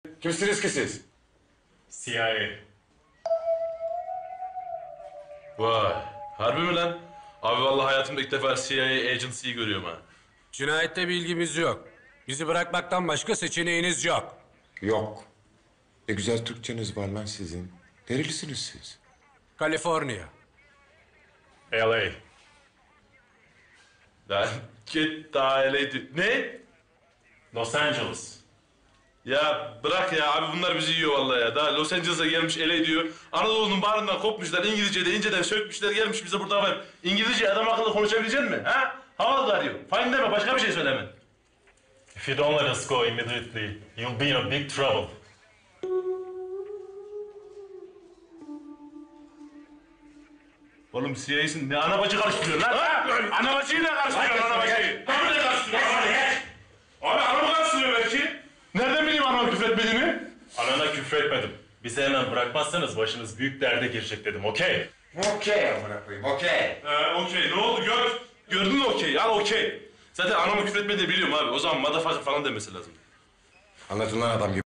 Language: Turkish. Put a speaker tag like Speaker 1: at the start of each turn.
Speaker 1: Kimsiniz ki siz?
Speaker 2: CIA.
Speaker 3: Vay, harbi mi lan? Abi vallahi hayatımda ilk defa CIA agency'yi görüyorum ha.
Speaker 4: Cinayette bir ilgimiz yok. Bizi bırakmaktan başka seçeneğiniz yok.
Speaker 1: Yok. Ne güzel Türkçeniz var lan sizin. Nerelisiniz siz?
Speaker 4: Kaliforniya.
Speaker 2: LA.
Speaker 3: Lan git daha öyleydi. Ne?
Speaker 2: Los Angeles.
Speaker 3: Ya bırak ya abi bunlar bizi yiyor vallahi ya. Daha Los Angeles'a gelmiş LA diyor. Anadolu'nun bağrından kopmuşlar. İngilizce'de inceden sökmüşler gelmiş bize burada var. İngilizce adam akıllı konuşabilecek mi? Ha? Havalı arıyor. Fine deme başka bir şey söyleme.
Speaker 2: If you don't let us go immediately, you'll be in a big trouble.
Speaker 3: Oğlum CIA'sin ne ana bacı karıştırıyorsun lan? Ha? Ana bacıyı ne karıştırıyorsun ana bacıyı? Tabii ne karıştırıyorsun? Abi anamı karıştırıyor belki. Nereden bileyim anamı küfretmediğini?
Speaker 2: Anana küfretmedim. Bizi hemen bırakmazsanız başınız büyük derde girecek dedim, okey?
Speaker 1: Okey amına koyayım, okey.
Speaker 3: Okey ne oldu gördün mü okey? Al okey. Zaten anamı küfretmediğini biliyorum abi. O zaman motherfucker falan demesi lazım.
Speaker 1: Anlatın lan adam gibi.